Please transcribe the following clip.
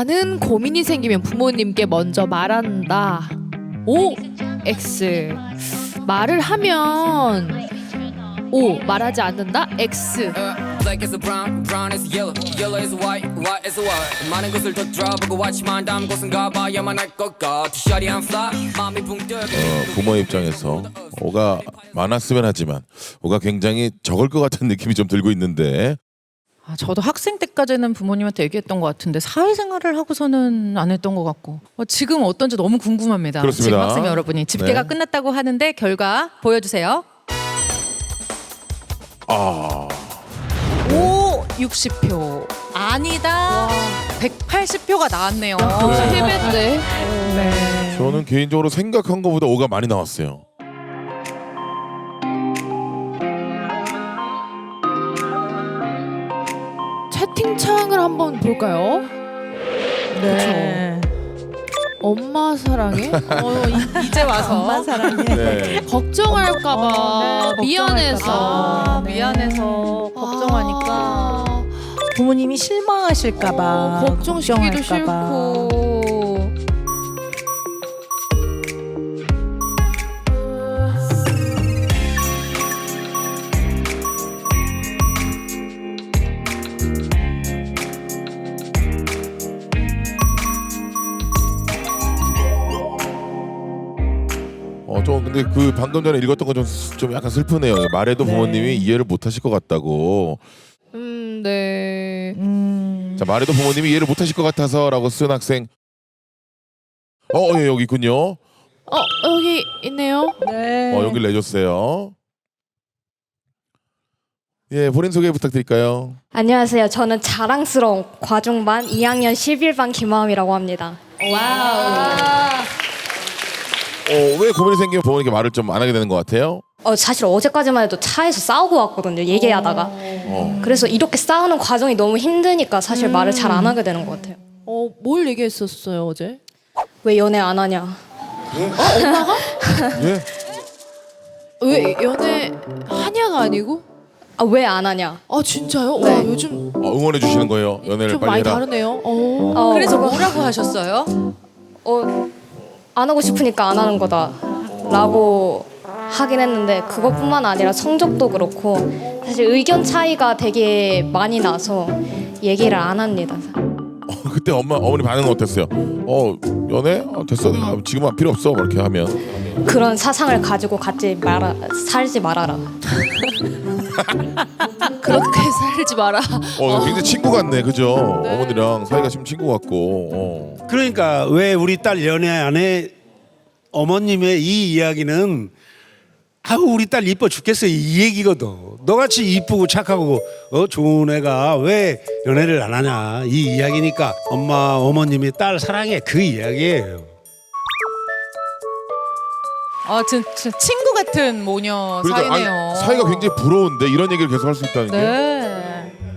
많은 고민이 생기면 부모님께 먼저 말한다. O, X. 말을 하면 O, 말하지 않는다. X. Black is a brown, brown is yellow, yellow is white, white is a white. 많은 곳을 뒤돌아보고 watch만 담은 곳은 가봐야만 할 것 같아. Shawty I'm fly, 마음이 붕 뜨고. 부모 입장에서 오가 많았으면 하지만 오가 굉장히 적을 것 같은 느낌이 좀 들고 있는데 저도 학생 때까지는 부모님한테 얘기했던 것 같은데 사회생활을 하고서는 안 했던 것 같고 지금 어떤지 너무 궁금합니다. 그렇습니다. 지금 학생 여러분이 집계가 네. 끝났다고 하는데 결과 보여주세요. 아, 오 60표 아니다. 180표가 나왔네요. 세 배인데. 네. 저는 개인적으로 생각한 것보다 오가 많이 나왔어요. 채팅창을 한번 볼까요? 네. 엄마 사랑해? 이제 와서 엄마 사랑해. 네. 걱정할까봐 네, 미안해서. 걱정할까봐. 미안해서 걱정하니까. 아, 부모님이 실망하실까봐 걱정시키기도 걱정할까봐. 싫고. 좀 근데 그 방금 전에 읽었던 건 좀 약간 슬프네요. 말해도 부모님이 이해를 못 하실 것 같다고. 네. 자, 말해도 부모님이 이해를 못 하실 것 같아서라고 쓴 학생. 예, 여기 있군요. 여기 있네요. 네. 여기를 내줬어요. 예, 본인 소개 부탁드릴까요? 안녕하세요. 저는 자랑스러운 과중반 2학년 11반 김하음이라고 합니다. 왜 고민이 생기면 부모님께 말을 좀 안 하게 되는 것 같아요? 사실 어제까지만 해도 차에서 싸우고 왔거든요. 얘기하다가. 그래서 이렇게 싸우는 과정이 너무 힘드니까 사실 말을 잘 안 하게 되는 것 같아요. 뭘 얘기했었어요 어제? 왜 연애 안 하냐? 예? 왜 연애 하냐가 아니고? 왜 안 하냐? 진짜요? 네. 와 요즘 응원해 주시는 거예요. 연애를 좀 빨리 많이 해라. 다르네요. 그래서 뭐라고 하셨어요? 안 하고 싶으니까 안 하는 거다라고 하긴 했는데 그것뿐만 아니라 성적도 그렇고 사실 의견 차이가 되게 많이 나서 얘기를 안 합니다. 그때 어머니 반응은 어땠어요? 연애? 됐어. 내가 지금은 필요 없어. 이렇게 하면. 그런 사상을 가지고 살지 말아라. 그렇게 살지 마라. 굉장히 친구 같네. 그죠? 어머니랑 사이가 지금 친구 같고. 그러니까 왜 우리 딸 연애 안 해? 어머님의 이 이야기는 우리 딸 이뻐 죽겠어 이 얘기거든. 너같이 이쁘고 착하고 좋은 애가 왜 연애를 안 하냐 이 이야기니까 어머님이 딸 사랑해 그 이야기예요. 진짜 친구 같은 모녀 그러니까 사이네요. 사이가 굉장히 부러운데 이런 얘기를 계속 할 수 있다는 게. 네.